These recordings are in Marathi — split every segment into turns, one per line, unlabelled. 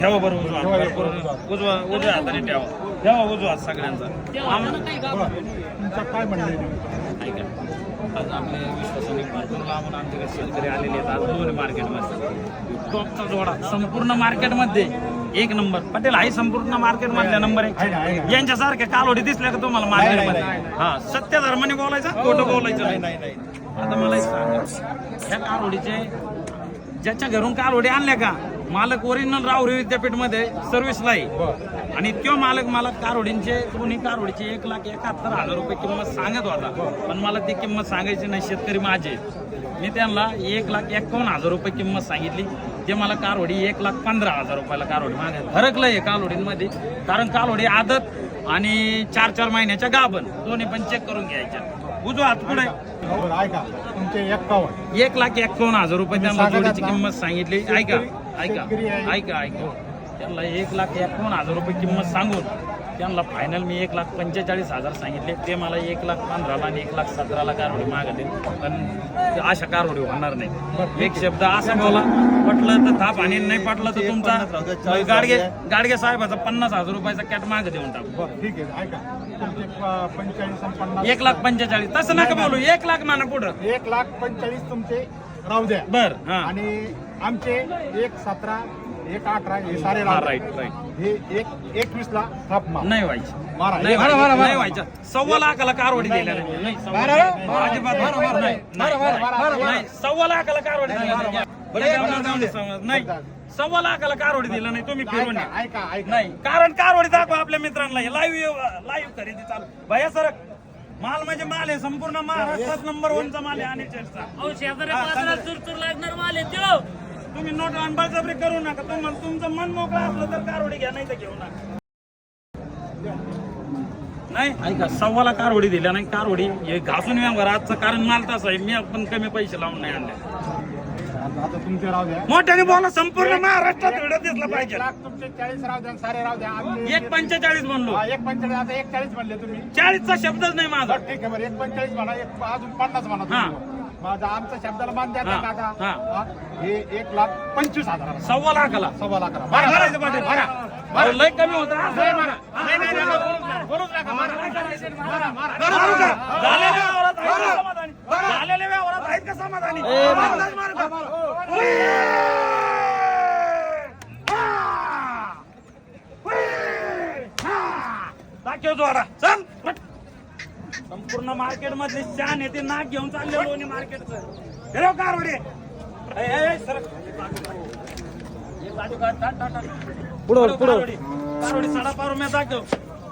ठेवा बरं उजवा उजव्या हाताने ठेवा उजवा हात सगळ्यांचा.
काय म्हणले
ऐका, आज आपले विश्वासाने भरपूर लांबून आमच्याकडे शेतकरी आलेले आहेत. आज दोन मार्केटमध्ये टॉपचा जोडा संपूर्ण मार्केटमध्ये एक नंबर. पटेल आहे संपूर्ण मार्केटमधल्या नंबर एक. यांच्यासारख्या कालोडी दिसल्या का तुम्हाला मार्केटमध्ये? हा, सत्य धर्माने बोलायचं, खोटं बोलायचं नाही. आता मला एक सांगा, ह्या कालोडीचे ज्याच्या घरून कालोडी आणल्या का, मालक ओरिजिनल राहुरी विद्यापीठमध्ये सर्व्हिसला आहे आणि तो मालक मला कारोडींचे दोन्ही कारोडीचे 1,71,000 रुपये किंमत सांगत होता. पण मला ती किंमत सांगायची नाही, शेतकरी माझे. मी त्यांना 1,51,000 रुपये किंमत सांगितली. ते मला कारोडी 1,15,000 रुपयाला कारोडी मागे फरकलं आहे कालोडींमध्ये. कारण कालोडी आदत आणि 4-4 महिन्याच्या गाभण दोन्ही पण चेक करून घ्यायच्या. उजवा हात पुढे
ऐका तुमचे
1,51,000 रुपये त्यांना जोडीची किंमत सांगितली. ऐका त्यांना 1,51,000 रुपये किंमत सांगून त्यांना फायनल मी 1,45,000 सांगितले. ते मला 1,15,000 आणि 1,17,000 कारोडी मागते. पण अशा कारोडी होणार नाही. एक शब्द असा बोला, पटलं तर थाप आणि नाही पटलं तर तुमचा गाडगे साहेबाचा 50,000 रुपयाचा कॅट माग देऊन टाकू.
ठीक आहे. ऐका तुमचे 45
1,45,000 तसं नका बोलू. 1,00,000 माना पुढं
1,45,000 तुमचे राहू द्या.
बर.
आणि आमचे 1,17,000 1,18,000 हे सारे
राईट.
हे 1,21,000 थाप
नाही व्हायचं.
नाही
व्हायचं. 1,15,000 कारवडी दिल्या नाही. अजिबात नाही. 1,15,000 कारवडी दिल्या नाही. 1,15,000 कारवडी दिलं नाही. तुम्ही फिरून
ऐका
नाही. कारण कारवडी दाखवा आपल्या मित्रांना. लाईव्ह खरेदी चालू भैया सर. माल म्हणजे माल आहे. संपूर्ण महाराष्ट्रात नंबर 1चा माल आहे. आणि
चुरचुर लागणार माल आहे.
तुम्ही नोट अनबळजबरी करू नका. तुम्हाला तुमचं मन मोकळं असलं तर कारवडी घ्या, नाही तर घेऊ नका. नाही ऐका, 1,15,000 कारवडी दिल्या नाही. कारवडी हे घासून व्यवहार आजचं. कारण माल तसा आहे. मी पण कमी पैसे लावून नाही आणले.
आता तुमचे राहू द्या.
मोठ्याने बोला. संपूर्ण महाराष्ट्रात व्हिडिओ दिसला पाहिजे.
1,00,000 तुमचे 40 राहू द्या. सारे राहू द्या.
1,45 म्हणलो.
1,45 आता 1,40 म्हणले तुम्ही.
40चा शब्दच नाही माझा.
ठीक आहे बरं. 1,45 म्हणा. अजून 50 म्हणा तुम्ही. माझा आमच्या शब्दाला मान द्या आता. हे 1,25,000
1,15,000
1,15,000
भरा. लय कमी होता. झालेल्या व्यवहारात आहेत का समाधानी? दाखव जोडा. चल. संपूर्ण मार्केट मधले शान येते. नाक घेऊन चालले लोणी मार्केटचं. कारवडे कारवडी साडा पारू मी दाखव.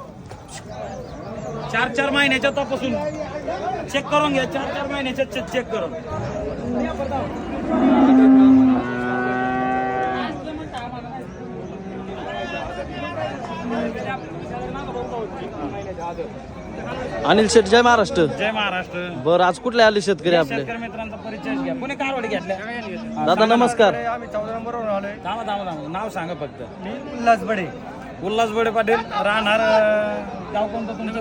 4-4 महिन्याच्या तपासून चेक करून घ्या. 4-4 महिन्याच्या चेक करून.
अनिल शेठ, जय महाराष्ट्र.
जय महाराष्ट्र.
बरं, आज कुठले आले शेतकरी आपले?
शेतकरी मित्रांचा परिचय घ्या. कोणी कारवडी घेतल्या?
दादा नमस्कार.
आम्ही 14 नंबरवर आलोय.
थांबा. नाव सांगा फक्त.
उल्हास बडे
पाटील. राहणार गाव कोणतं तुमचं?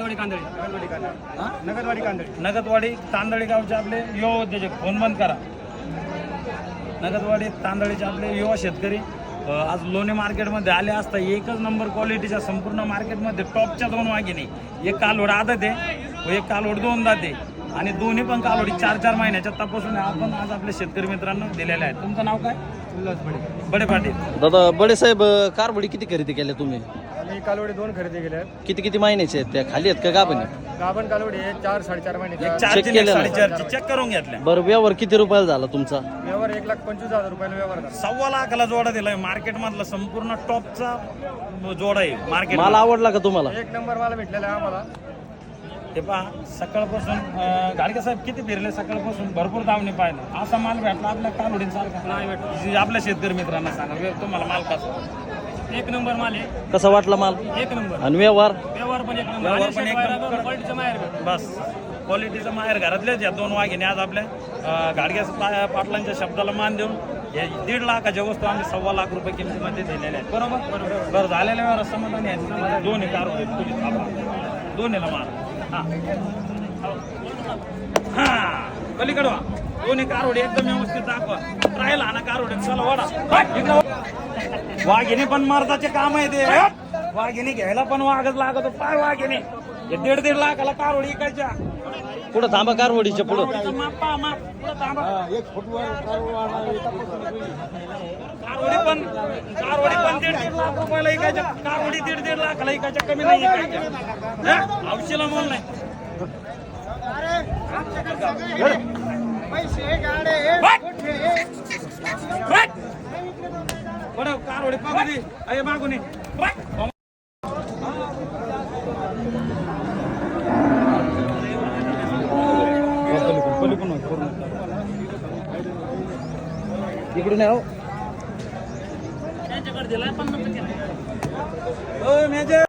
नगदवाडी तांदळी गावचे आपले युवा उद्योजक. फोन बंद करा. नगदवाडी तांदळीचे आपले युवा शेतकरी आज लोणी मार्केटमध्ये आले असता. एकच नंबर क्वालिटीच्या संपूर्ण मार्केटमध्ये टॉपच्या 2 वाघिणी. एक कालवड आदत आहे व एक कालवड 2 दाते. आणि दोन्ही पण कालवडी 4-4 महिन्याच्या तपासून आपण आज आपल्या शेतकरी मित्रांना दिलेले आहेत. तुमचं नाव काय?
उल्हास
बडे पाटील.
दादा बडे साहेब, कारवडी किती खरेदी केल्या तुम्ही?
आम्ही कालवडी 2 खरेदी केल्या.
किती महिन्याचे आहेत त्या? खाली आहेत का गाभण?
गाभण कालवडी आहे 4-4.5 महिने.
4-4 चेक करून घेतल्या.
बरं, व्यवहार किती रुपयाला झाला तुमचा?
व्यवहार 1,25,000 रुपयाला व्यवहार झाला.
1,15,000 जोडा दिलाय. मार्केट मधला संपूर्ण टॉपचा जोडा आहे मार्केट.
मला आवडला का तुम्हाला?
1 नंबर मला भेटलेला आहे आम्हाला.
हे पहा, सकाळपासून गाडगे साहेब किती फिरले. सकाळपासून भरपूर दावणी पाहिलं. असा माल भेटला आपल्या कालोडींसारखा नाही भेटला. आपल्या शेतकरी मित्रांना सांगा तुम्हाला माल कसा.
1 नंबर माल आहे.
कसा वाटला माल?
1 नंबर.
आणि व्यवहार?
व्यवहार पण 1 नंबर.
व्यवहार पण 1 नंबर.
क्वालिटीचं माहेर.
बस क्वालिटीचं माहेर. घरातल्याच या 2 वाघिणी आज आपल्या गाडगे पाटलांच्या शब्दाला मान देऊन 1.5 लाखाच्या वस्तू आम्ही 1,15,000 रुपये किमतीमध्ये दिलेल्या आहेत. बरोबर. बरं, झालेल्या व्यवहार समाधानी आहे. दोन्ही कारवडी दोन्हीला माल. पलीकडवा दोन्ही कारवडी एकदम व्यवस्थित दाखवा. ट्रायल आणा कारवडी. चला वडा. वाघिणी पण मर्दाचे काम आहे ते वाघिणी घ्यायला पण वाघच लागतो फार वाघिणी हे 1.5 लाखाला कारवडी इकायच्या
पुढं थांबा कारवडीच्या पुढं.
कारवडीचं माप पहा, माप. पुढं थांबा. कारवडी पण 1.5 लाख रुपयाला इकायच्या कारवडी 1.5 लाखाला इकायच्या कमी नाही इकायच्या औषला मोल नाही बरं कारवडी पाहू दे अरे मागून ये.
इकडून या हो.
त्यांच्याकडे दिलाय 50.
मेजर